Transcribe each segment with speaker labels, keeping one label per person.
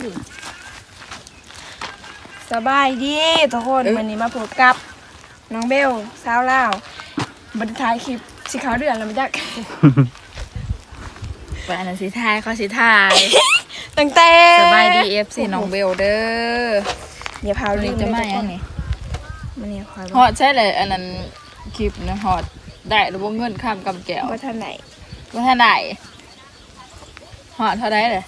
Speaker 1: สบายดีทุกคนวันนี้มาพบกับน้องเบลสาวลาวบันท้ายคลิปสีขาวเดือนแล้วมันจะ
Speaker 2: วันนั้นสิทายเขาสิทาย
Speaker 1: ตั้งแต่
Speaker 2: สบายดีFCน้องเบลเด้อ
Speaker 1: อย่าพา
Speaker 2: วัน
Speaker 1: ลื
Speaker 2: นี้
Speaker 1: ม
Speaker 2: จะ
Speaker 1: เลย
Speaker 2: มา
Speaker 1: ทุก
Speaker 2: อ
Speaker 1: ค
Speaker 2: ย่าง
Speaker 1: น
Speaker 2: นี้
Speaker 1: มันนี่คอย
Speaker 2: ฮอดใช่เลยอันนั้นคลิปนะฮอดได้หรือว่าเงินข้ามกำแก้ว
Speaker 1: ว่าท่านไหน
Speaker 2: ว่าท่านได้ฮอดเท่าไรเลย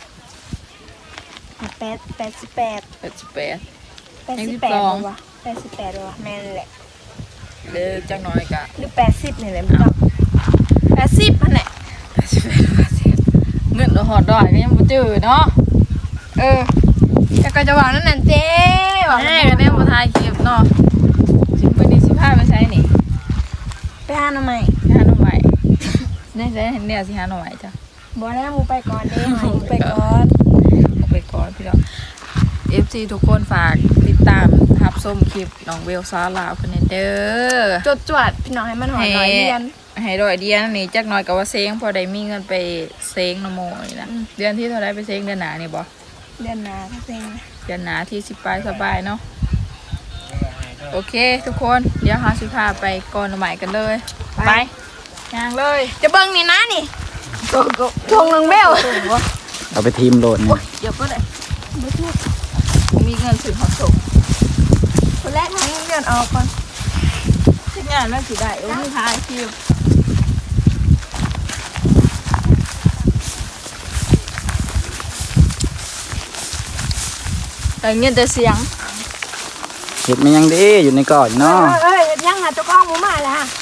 Speaker 1: 88
Speaker 2: 82
Speaker 1: วะ88วะแม่นแหละ
Speaker 2: เด้อจังน้อยกะ
Speaker 1: หรือ80นี่แหละมันจับ80มันแหละ
Speaker 2: เงินฮอดดอยก็ยังบ่จื้อเนาะ
Speaker 1: แต่ก็จะบอกนั่นน่ะเจ๊บอก
Speaker 2: แม่ก็ได้บ่ทายคลิปเนาะสิวันนี้สิพาไปใช้นี่
Speaker 1: ไปหาหน่อไม้
Speaker 2: ไปหาหน่อไม้ได้เนี่ยสิหาหน่อไม้จ้ะ
Speaker 1: บอกแล้วมูไปก่อนเด้หมูไปก่อน
Speaker 2: เอาไปก่อนพี่น้อง FC ทุกคนฝากติดตามรับชมคลิปน้องเบลซาลาวคนนี้เด้อ
Speaker 1: จวดพี่น้องให้มันหอยหน่อยเรียน
Speaker 2: ให้ดอยเดียนนี่จักหน่อยกับว่าเซ้งพอได้มีเงินไปเซ้งนโมนี่นะเดือนที่เท่าไรไปเซ้งเดือนหนานี่บ่
Speaker 1: เรียนนาเซ็ง
Speaker 2: เดือนหนาที่สิบปลายสบายเนาะโอเคทุกคนเดี๋ยวหาสิพาไปก่อนใหม่กันเลยไปย่างเลย
Speaker 1: จะเบิ่งนี่นะนี่ทงนึงเบล
Speaker 3: เอาไปทีมโหลดเนี่ย
Speaker 2: เดี๋ยวก็ได้ผมมีเงินซื้อของส่ง
Speaker 1: คนแรกทั้งเรียนออกก่อน
Speaker 2: ที่งานแล้วสิได้โอ้ยทายคิวแต่เงี้ยแต่เสียง
Speaker 3: เห็ดมันยังดีอยู่ในก่อนเนาะ
Speaker 1: ยังหาเจ้าก้องหมูมาแล้วฮะ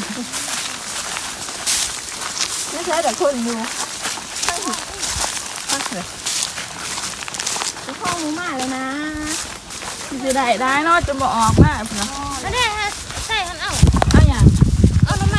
Speaker 1: ไม่ใช่แต่คนอยู่เจ้าก้องหมูมาเลยนะ
Speaker 2: สิได้เนาะจะมาออกมาพี่น้อง
Speaker 4: อันนี้ฮะใส่กันเอา
Speaker 2: เอาอย่าง
Speaker 4: เอาทำไม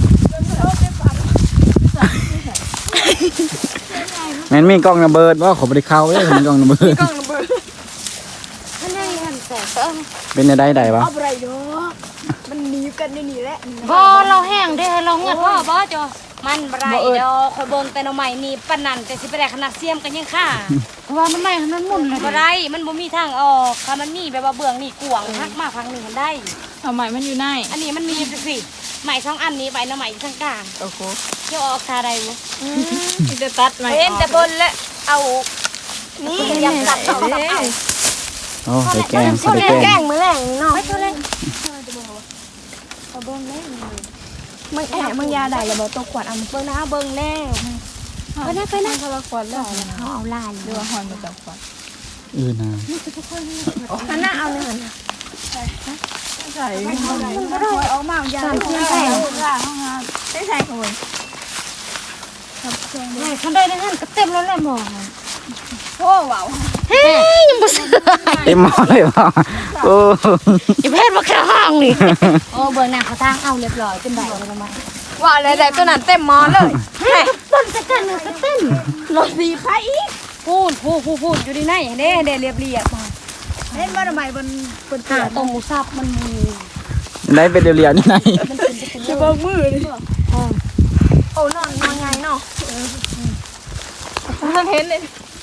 Speaker 3: แม่นมีกล้องระเบิดว่าขอบริเข้าเลยมีกล้องระเบิด
Speaker 1: กล้องระเบิด
Speaker 4: อันนี้หันแต่ก็
Speaker 3: เป็นในใดวะ
Speaker 1: เอาอะไรดอกมันหนีกันในนี่แหละ
Speaker 4: บ่เราแห้งเด้อเราเงินว่าบ่จอมันบ่ได้ดอกคอยเบิ่งแต่หน่อไม้นี่ปานนั้นแต่สิไปได้ขนาดเสียมกันยังค่ะว่าหน่อไม้มันหมุนเลยบ่ได้มันบ่มีทางออกถ้ามันมีแบบว่าเบื้องนี่กวางหักมาพังนึงมันได้
Speaker 2: ทำไมมันอยู่ใน
Speaker 4: อันนี้มันมีจังซี่ไม้สองอันนี้ไปหน่อไม้อยู่ทางกลาง
Speaker 2: โอ้โห
Speaker 4: เดี๋ยวออกทาได้บ่
Speaker 2: จะตัดไหม
Speaker 1: เห็นแต่บนและเอานี่ยังตัดเอา
Speaker 3: โอ้ใส่แกง
Speaker 1: คน
Speaker 3: ใส่
Speaker 1: แร
Speaker 3: แก
Speaker 1: กแกล้
Speaker 3: ง
Speaker 1: งมือแรงนี่เนาะ
Speaker 4: ไปเท่าไหร่
Speaker 1: มึงแอบมึงยาได้แล้วบอกตัวขวดเอาเบิ่งนะเบิ่งแล้ว
Speaker 4: ไปนะไปนะ
Speaker 2: คนละคนแล้ว
Speaker 4: เขาเอาลาย
Speaker 2: หรือว่าหอนมาจากก่อน
Speaker 3: นะ
Speaker 1: อันน่าเอาเลยหัน
Speaker 2: ใช่
Speaker 1: มันก็ได้ออกมาอย่าง
Speaker 4: สามเพื่อนใส่
Speaker 1: ได้ใส่คน
Speaker 4: เขาได้ได้หันก็เต็มแล้วแหละหมอ
Speaker 1: โอ้ว้าว
Speaker 4: เฮ้ยยังบ่ซื้อ
Speaker 3: เต็มหม้อเลยวะโอ้
Speaker 4: อย่าเพศมาแค่ห้องนี่โอ้เบิ่งหน้าเขาทางเอาเรียบร้อยเป็นใบแล้วมา
Speaker 1: ว้าวอะไรตัวนั้นเต็มมอเลย
Speaker 4: ต้นจะกันก็เต้น
Speaker 1: รถสีไฟอีก
Speaker 4: พูดอยู่ดีไหน
Speaker 1: เด้เรียบมาเห็นว่าทำไมบน
Speaker 4: หาตรงหมูสับมันมี
Speaker 3: ได้เป็นเรียวๆนี่ไง
Speaker 1: จะเบิ่งมือเลยโอ้นอนไงเนาะ
Speaker 2: ท่านเห็นเลย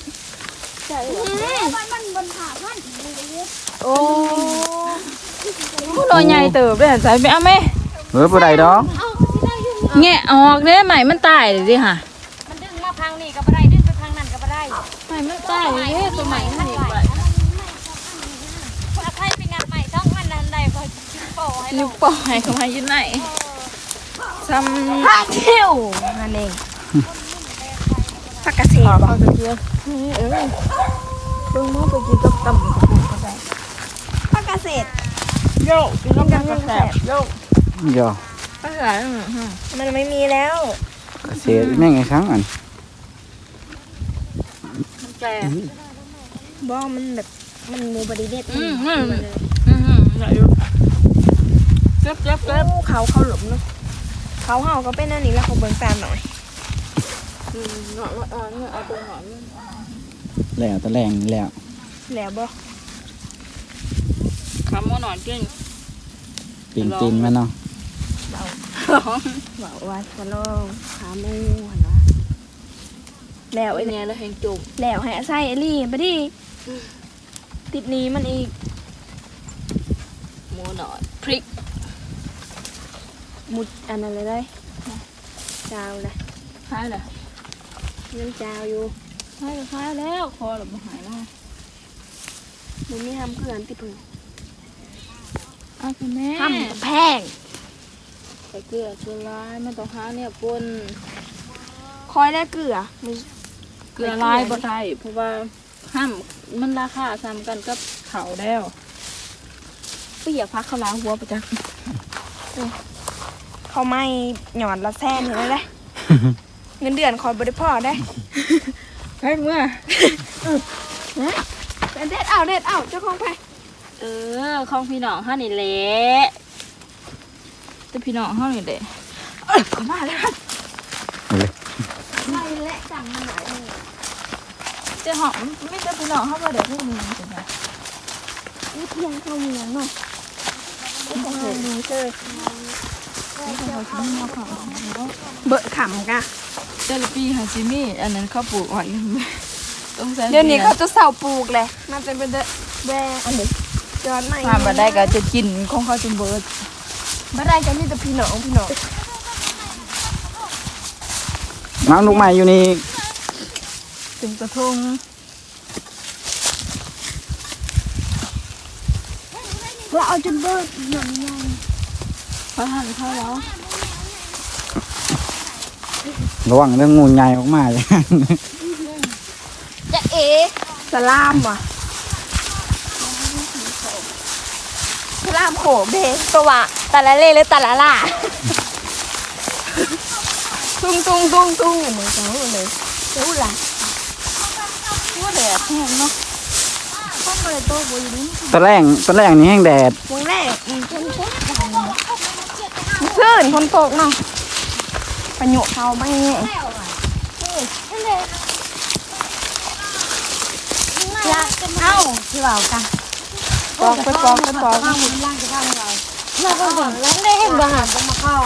Speaker 1: โอ้
Speaker 2: ผู้น้อยใหญ่เติบเลยใส่ไปเอาไหม
Speaker 3: เฮ้ยผู้ใดดอก
Speaker 4: เอาสิได้อยู่
Speaker 2: แงะออกเนี่ยใหม่มันตายเลยดิค่ะ
Speaker 4: มันดึงมาพังนี่ก็บ่ได้ดึงไปพังนั่นก็บ่ได้
Speaker 2: ใหม่มันตายเลยตัวใหม่มันนี่ไป
Speaker 4: คนใครไปงานใหม่ต้องมันนั่นได้พอโป้ให้
Speaker 2: นิ้วปล่อยเข้ามาอยู่ไหนซ้
Speaker 1: พาเที่ยวนั่นเองผักกระเสียบ
Speaker 2: ำจะเยอะ
Speaker 1: เบิ่งมองไปกินกับตำก็ได้ผักกระเสียบ
Speaker 2: โยกกินน้ำกันกระแสบโยก
Speaker 3: ย่อก
Speaker 2: ระแสบ
Speaker 1: มันไม่มีแล้ว
Speaker 3: เสียแม่งไงครั้งอัน
Speaker 2: แก
Speaker 1: บ้องมันแบบมันมูบริเวณ
Speaker 2: ไหนอยู่เจ็บ
Speaker 1: เขาหลบเนาะเขาเห่าก็เป็นอันนี้แล้วเขาเบิ่งตามหน่อย
Speaker 2: หนอนเอาตัวหนอน
Speaker 3: แล้วตะแรงนี่แล้ว
Speaker 1: แล้วบ่
Speaker 2: คำว่าหนอนกิน
Speaker 3: ปิ่งตีนมันเนาะ
Speaker 1: บอกว่าจะลองขาหมูหันวะแล้ว
Speaker 2: ไอ้
Speaker 1: ไอ้
Speaker 2: เนี่ยแล้วแหงจุ่ม
Speaker 1: แล้วให้ใส่ไอ้ลี่ไปดิติดนี้มันอีก
Speaker 2: หมูหน่อยพริก
Speaker 1: มุดอันนั้นเลยได้จาวเลย
Speaker 2: คล้ายเลย
Speaker 1: ยังจาวอยู่
Speaker 2: คล้ายก็คล้ายแล้วคอเราบ่หายแล้ว
Speaker 1: มันไม่ทำเพื่อนติดพึ่ง
Speaker 2: เอาคุณแม่
Speaker 1: ทำกับแพง
Speaker 2: ใส่เกลือเกลือลายมันต้องหาเนี่ยปน
Speaker 1: คอยได้เกลือมี
Speaker 2: เกลือลายบ่ได้เพราะว่าห้ามมันราคาซ้ำกันกับเขาแล้ว
Speaker 1: เปียกพักเขาล้างหัวไปจ้ะเขาไม่หย่อนละแซนเห็นไหม เงินเดือนคอยบริพ่อได้
Speaker 2: ไปเมื่อ
Speaker 1: เด็ดเอาเจ้าของไป
Speaker 2: ของพี่น้องเฮานี่แหละแต่พี่น้องเฮานี่แหละ
Speaker 1: ขอมาเลย
Speaker 3: เอาเลย
Speaker 1: ไม่และจังมันไหน
Speaker 2: แต่หอมไม่ใช่พี่น้องเฮาบ่ได้พวกนี้จังได๋
Speaker 1: นี่เพียงเข้าเมืองเนาะไม่ต้องหาดูเจอเบอะขำกะ
Speaker 2: แต่ละปีหาซิมีอันนั้นเขาปลูกไว้ต้องใช้
Speaker 1: เดี๋ยวนี้เขาจะเสาปลูกเลยมันเป็นแบอันเดียวจอนใหม่
Speaker 2: ถ้าบ่ได้ก็จะกินของเขาจนเบิด
Speaker 1: บ่ได้ก็มีแต่พี่น้อง
Speaker 3: น้ำลูกใหม่อยู่นี่
Speaker 2: ถึงกระทง
Speaker 1: เราเอาจนเบิดหนังยัง
Speaker 2: พอทานข้าวแล้ว
Speaker 3: ระวังเรื่องงูใหญ่ออกมาเลย
Speaker 1: จะเอสลามว่ะสลามโขเบตัววะตะละเล่หรือตะละล่าตุ้งเหมือนกันเลยเจ้าล่ะ
Speaker 2: ว่าแดดแห้งเนาะ
Speaker 1: ข้าวเลยโตกว่าอยู่นี่
Speaker 3: ตอนแรกนี่แห้งแดด
Speaker 1: วงแรกมันคนตกซื่นคนตกเนาะประโยชน์เขาไม่แง่ยากเอ้าที่ว่ากันปอกไปปอก
Speaker 4: เราก็เห็นแล้วได้เห็นบ้างจะมาเข้า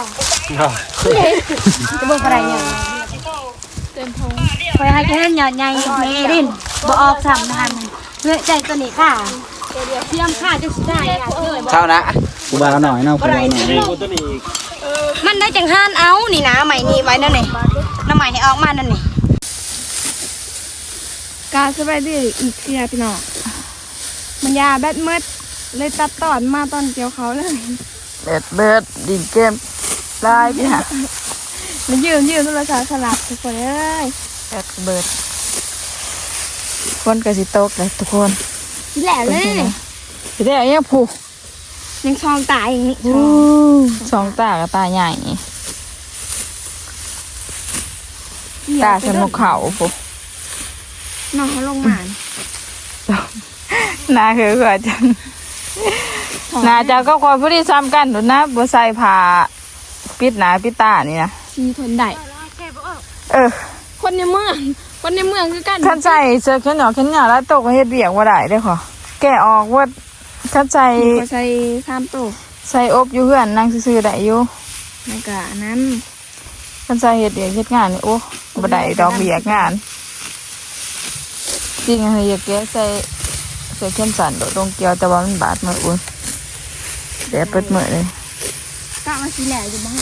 Speaker 4: จะบอกอะไรเนี่ย
Speaker 2: เต็มทง
Speaker 4: คอยให้แค่หยอดใหญ่เมรินบ่ออกซ้ำนะคะเลือใจตัวนี้ค่ะเทียมค่ะจะสุดได้
Speaker 3: เท่านะกูบาหน่อยเนาะกูบาหน่อย
Speaker 4: มันได้จังห้านเอานี่นะใหม่นี่ไว้นั่นนี่น้ำใหม่ให้ออกมานั่นนี่
Speaker 1: การสบายดีอีกเทียพี่น้องมันยาแบดมืดเลยตัดตอนมาตอนเกี่ยวเขาเลย
Speaker 2: เบิดดินเกมลายพี่ฮะ
Speaker 1: มันยืมโทรศัพท์สลับทุกคนเลย
Speaker 2: เบิดคนกับสิโต๊ะเลยทุกคน
Speaker 1: แหละเลย
Speaker 2: สิได้ยังผูก
Speaker 1: ยังซองตายอย่างนี้
Speaker 2: สองตากับตาใหญ่ตาสนุกเขาผูก
Speaker 1: น้องเขาลงมา
Speaker 2: นาคือว่าจังนาเจ้าก็คอยผู้ที่ซ้ำกันดูนะบัใส่ผ้าปิดหนาปิดตานี่นะ
Speaker 1: ชีทนได้ คนในเมืองคือกัน
Speaker 2: ขันใส่เสื้อแขนยาวแขนยาวแล้วตกเฮ็ดเบียงว่าได้เด้อขอแกะออกว่าขันใส่
Speaker 1: เขาใส่ข้ามโต๊ะ
Speaker 2: ใส่อบอยู่เพื่อนนั่งซื่อๆได้อยู่
Speaker 1: ในกะนั้น
Speaker 2: ขันใส่เฮ็ดเบียงเฮ็ดงานนี่โอ้บ่ได้ดอกเบียกงานจริงอะอยากแกะใส่เสื้อแขนสั้นโดดลงเกี่ยวแต่ว่ามันบาดมืออุ่นแดดเปิดมือเลย
Speaker 1: กะมาสีแหล่อยู่บ้าง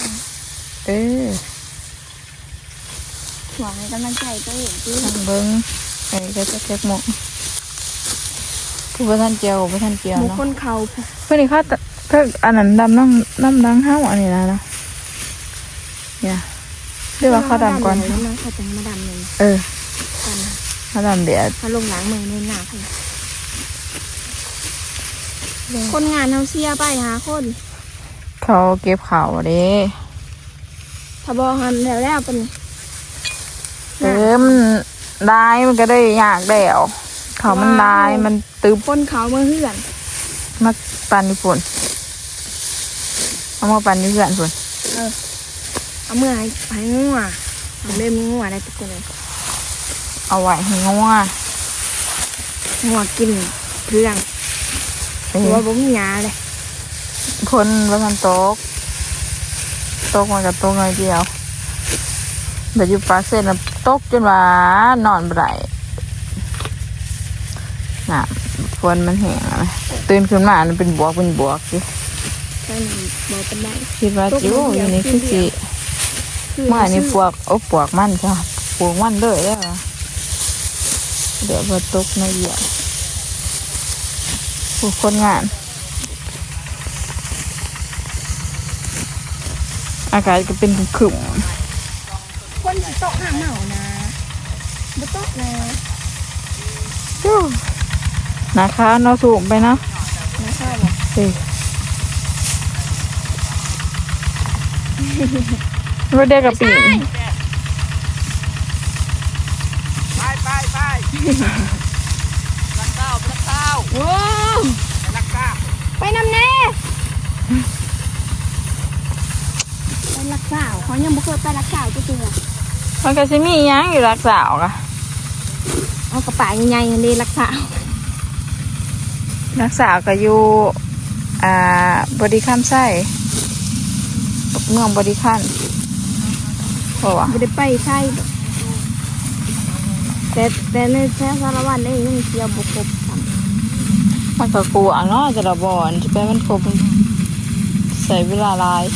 Speaker 1: หวังกำลังใจตัวเองที่
Speaker 2: ทางเบิ้งไอ้ก็จะแคกหมกคือบ่ทันเจียวบ่ทันเจียว
Speaker 1: บุค
Speaker 2: เนาะ
Speaker 1: คลเขา
Speaker 2: เพื่อนนี่เขาเพิ่งอันนั้นดำน้ำดังห้าวอันนี้นะเนี่ยเรียกว่าเขาดำก่อน
Speaker 1: น้องเขาจะมาดำเลย
Speaker 2: เขาดำเบียด
Speaker 1: เขาลงหลังเมืองในหนาค่ะคนงานเขาเสียไปหาคน
Speaker 2: เขาเก็บข่าวเด้
Speaker 1: ถ้าบอกหันแล้วเป็น
Speaker 2: มันได้มันก็ได้ยากแล้วเขามันได้มันตึบ
Speaker 1: คนเขาเมื่อเฮือน
Speaker 2: มาปั่นญี่ปุ่นเอามาปั่นญี่ปุ่นพุ่น
Speaker 1: เอาเมื่อให้งัวเอาเล่มงัวได้ทุกคนเลย
Speaker 2: เอาไว้ให้งัว
Speaker 1: งัวกินเรื่องหัวบ่มียาเลย
Speaker 2: คนว่าทันตกมันกับตกหน่อยเดียวแต่อยู่ปากเส้นตกจนว่านอนบ่ได้น่ะฝนมันแห้งอะนะตื่นขึ้นมามันเป็นบวกสิ
Speaker 1: ใช่บอกเป็นได้
Speaker 2: คิดว่าจิ๋วอยู่นี่คือสิเมื่อนี่ปวกปวกมันจ้ะปวกมันเลยแล้วอะเดี๋ยวพอตกในเหยียบผู้คนงานอากาศก็เป็นขรึม
Speaker 1: คนสิตกหาเหมานะบ่ตกนะ
Speaker 2: นะคะเนาะสูงไปเนาะ
Speaker 1: นะคะบ่
Speaker 2: รถเด็กกับปีน
Speaker 1: โอ้ไปนำแน่ไปรักษาเขายังบ่เคยไปรักษาจักเทื่อ
Speaker 2: มันก็จะมีหยังอยู่รักสาวกะ
Speaker 1: เอากระป๋าใหญ่ๆนี่รักษา
Speaker 2: รักสาวก็อยู่บริคัมไส้เมืองบริคัมเพราะว่า
Speaker 1: บ่ได้ไปใช่แต่ในแท้สารวัตรนี่ยังเที่ยวบ่ครบซ้ำ
Speaker 2: มันก็กลัวเนาะจะระบอนจะไปมันครบใส่เวลาหลาย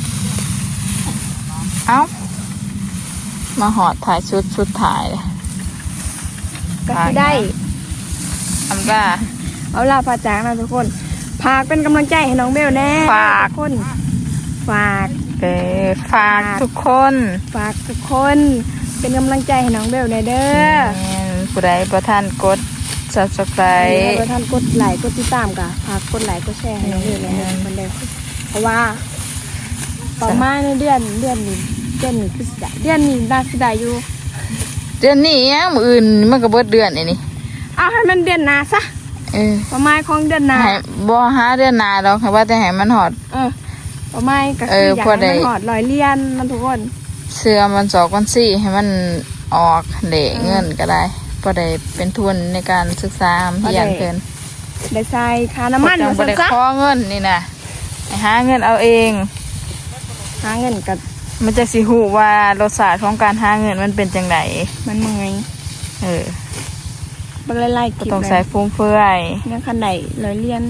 Speaker 2: เอ้ามาหอดถ่ายชุดถ่ายเลย
Speaker 1: ก็สิได้
Speaker 2: ทำได้
Speaker 1: เอาล่ะพาจากนะทุกคนฝากเป็นกำลังใจให้น้องเบลแน่
Speaker 2: ฝาก
Speaker 1: ทุกคนฝาก
Speaker 2: ฝากทุกคน
Speaker 1: ฝากทุกคนเป็นกำลังใจให้น้องเบลแน่เด้อ
Speaker 2: ผู้ใดประทานกด subscribe
Speaker 1: ถ้าท่านกดไลค์กดติดตามก็ฝากกดไลค์กดแชร์ให้น้องเบลแน่มันเด้อเพราะว่าต่อมาในเดือนนี้คือสิได้เดือนนี้น่าสิได้อยู่
Speaker 2: เดือนนี้ยังมืออื่นมันก็เบิดเดือนนี่
Speaker 1: เอาให้มันเดือนหน้าซะประมาณของเดือนหน้า
Speaker 2: ให้บ่หาเดือนหน้าดอกค่ะว่าแต่ให้มันหอด
Speaker 1: ประมาณก็คืออยาก
Speaker 2: พอได้
Speaker 1: ให้มันหอด100เหรียญมันทุกคน
Speaker 2: เสื้อมัน2,400ให้มันออกเหล่เงินก็ได้พอได้เป็นทุนในการศึกษาเรียนเพิ่น
Speaker 1: ได้ใส่ค่าน้ำมัน
Speaker 2: จังบ่ได้
Speaker 1: ซะ
Speaker 2: ขอเงินนี่นะให้หาเงินเอาเอง
Speaker 1: หาเงินกับ
Speaker 2: มันจะสิฮู้ว่ารสชาติของการหาเงินมันเป็นจังได
Speaker 1: มันเมื่อย บ่ไล่ๆ
Speaker 2: ก็
Speaker 1: เก็บ
Speaker 2: ต้อง
Speaker 1: เล
Speaker 2: ใส่
Speaker 1: ย
Speaker 2: ฟุ่มเฟือย
Speaker 1: ยังคันไหน100เหรียญ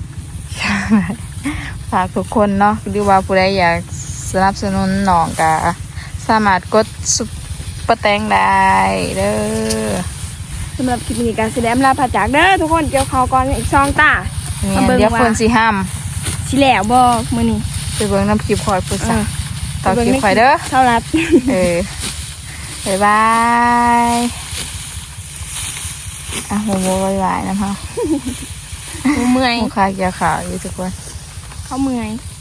Speaker 2: ฝากทุกคนเนาะหรือว่าผู้ใดอยากสนับสนุนน้องก็สามารถกดซุปเปอร์แตงได้เด้อ
Speaker 1: สำหรับคลิปนี้การแสดงลาพาจากเด้อทุกคนเกี่ยวเขาวก่อนอีก2ตา
Speaker 2: เนี่ยเดี๋ยวคนสิห้าม
Speaker 1: สิแล้วบ่มื้อนี้
Speaker 2: ไปเบิ่งน้ำคลิปคอยพูดซะต่อคลิปคอยเด้อ
Speaker 1: เท่ารัด
Speaker 2: บ๊ายบายโมโมบ๊ายบายนะคะ
Speaker 1: เมื่อย
Speaker 2: ลูกค้าเกี่ยวข่าวอยู่ทุกคน
Speaker 1: เขาเมื่อย